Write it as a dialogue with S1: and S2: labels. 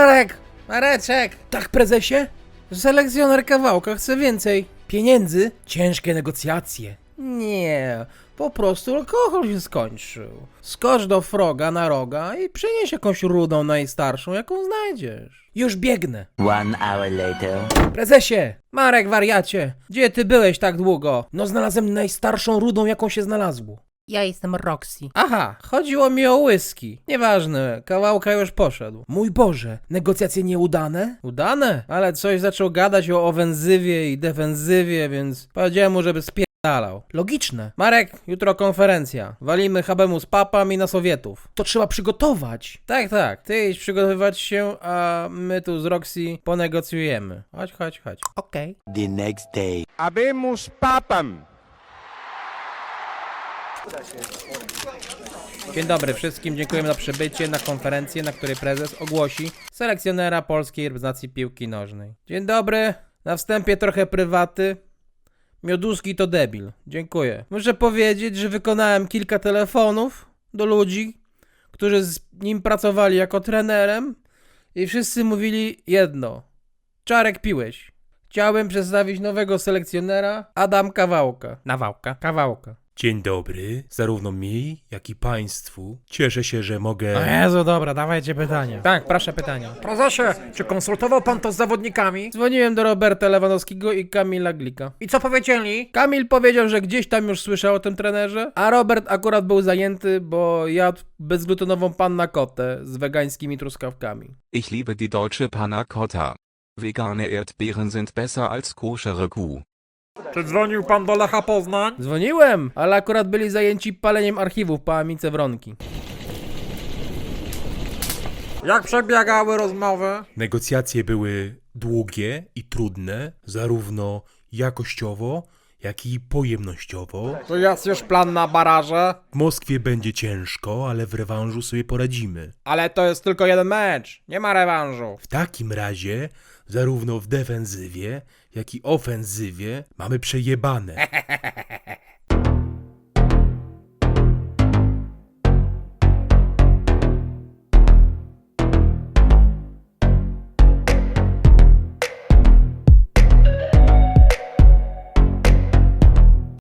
S1: Marek! Mareczek! Tak, prezesie? Selekcjoner Kawałka chce więcej pieniędzy? Ciężkie negocjacje. Nie, po prostu alkohol się skończył. Skocz do Froga na roga i przynieś jakąś rudą najstarszą, jaką znajdziesz. Już biegnę.
S2: 1 hour later.
S1: Prezesie! Marek, wariacie! Gdzie ty byłeś tak długo? No znalazłem najstarszą rudą, jaką się znalazło. Ja jestem Roxy. Aha, chodziło mi o whisky. Nieważne, Kawałka już poszedł. Mój Boże, negocjacje nieudane? Udane? Ale coś zaczął gadać o ofensywie i defensywie, więc powiedziałem mu, żeby spierdalał. Logiczne. Marek, jutro konferencja. Walimy Habemus Papam i na Sowietów. To trzeba przygotować. Tak, tak. Ty idź przygotowywać się, a my tu z Roxy ponegocjujemy. Chodź. Okej.
S2: The next day.
S3: Habemus Papam!
S1: Dzień dobry wszystkim, dziękujemy za przybycie na konferencję, na której prezes ogłosi selekcjonera polskiej reprezentacji piłki nożnej. Dzień dobry, na wstępie trochę prywaty. Mioduski to debil, dziękuję. Muszę powiedzieć, że wykonałem kilka telefonów do ludzi, którzy z nim pracowali jako trenerem i wszyscy mówili jedno. Czarek, piłeś. Chciałbym przedstawić nowego selekcjonera, Adam Kawałka. Kawałka.
S4: Dzień dobry, zarówno mi, jak i państwu. Cieszę się, że mogę...
S1: O Jezu, dobra, dawajcie pytania. Tak, proszę pytania.
S5: Prezesie, czy konsultował pan to z zawodnikami?
S1: Dzwoniłem do Roberta Lewandowskiego i Kamila Glika.
S5: I co powiedzieli?
S1: Kamil powiedział, że gdzieś tam już słyszał o tym trenerze, a Robert akurat był zajęty, bo jadł bezglutenową panna cottę z wegańskimi truskawkami.
S6: Ich liebe die deutsche Panna Cotta. Vegane Erdbeeren sind besser als koschere Kuh.
S5: Czy dzwonił pan do Lecha Poznań?
S1: Dzwoniłem, ale akurat byli zajęci paleniem archiwów po Amice Wronki.
S5: Jak przebiegały rozmowy?
S4: Negocjacje były długie i trudne, zarówno jakościowo, jak i pojemnościowo.
S5: To jest już plan na baraże?
S4: W Moskwie będzie ciężko, ale w rewanżu sobie poradzimy.
S5: Ale to jest tylko jeden mecz, nie ma rewanżu.
S4: W takim razie, zarówno w defensywie, jak i ofensywie mamy przejebane.